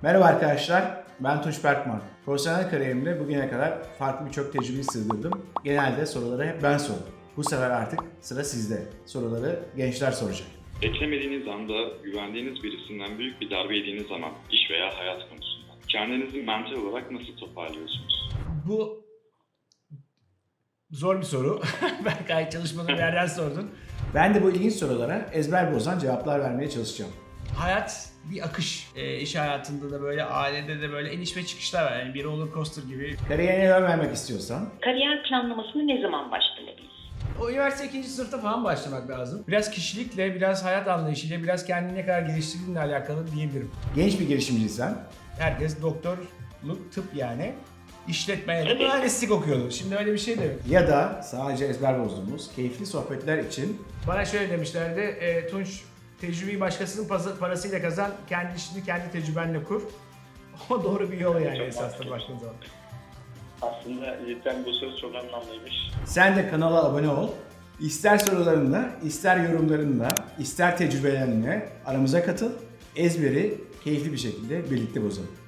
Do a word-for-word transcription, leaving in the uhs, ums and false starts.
Merhaba arkadaşlar, ben Tunç Berkman. Profesyonel kariyerimde bugüne kadar farklı birçok tecrübeyi sığdırdım. Genelde soruları hep ben sordum. Bu sefer artık sıra sizde. Soruları gençler soracak. Beklemediğiniz anda güvendiğiniz birisinden büyük bir darbe yediğiniz zaman iş veya hayat konusunda kendinizi mental olarak nasıl toparlıyorsunuz? Bu zor bir soru. Berkay çalışmadığın bir yerden sordun. Ben de bu ilginç sorulara ezber bozan cevaplar vermeye çalışacağım. Hayat bir akış. E, iş hayatında da böyle, ailede de böyle iniş ve çıkışlar var. Yani bir roller coaster gibi. Kariyerine yön vermek istiyorsan, Kariyer planlamasına ne zaman başlamalıyız? O üniversite ikinci sınıfta falan başlamak lazım. Biraz kişilikle, biraz hayat anlayışıyla, biraz kendini ne kadar geliştirdiğinle alakalı diyebilirim. genç bir girişimciysen, Herkes doktorluk, tıp yani. İşletmeye de mühendislik okuyordu. Şimdi öyle bir şey de yok. ya da sadece ezber bozduğumuz keyifli sohbetler için Bana şöyle demişlerdi, e, Tunç tecrübeyi başkasının pazı- parasıyla kazan, kendi işini kendi tecrübenle kur. O doğru bir yol yani Çok esasında mantıklı. baktığın zaman. Aslında cidden bu söz çok anlamlıymış. sen de kanala abone ol. İster sorularınla, ister yorumlarınla, ister tecrübelerinle aramıza katıl. Ezberi keyifli bir şekilde birlikte bozalım.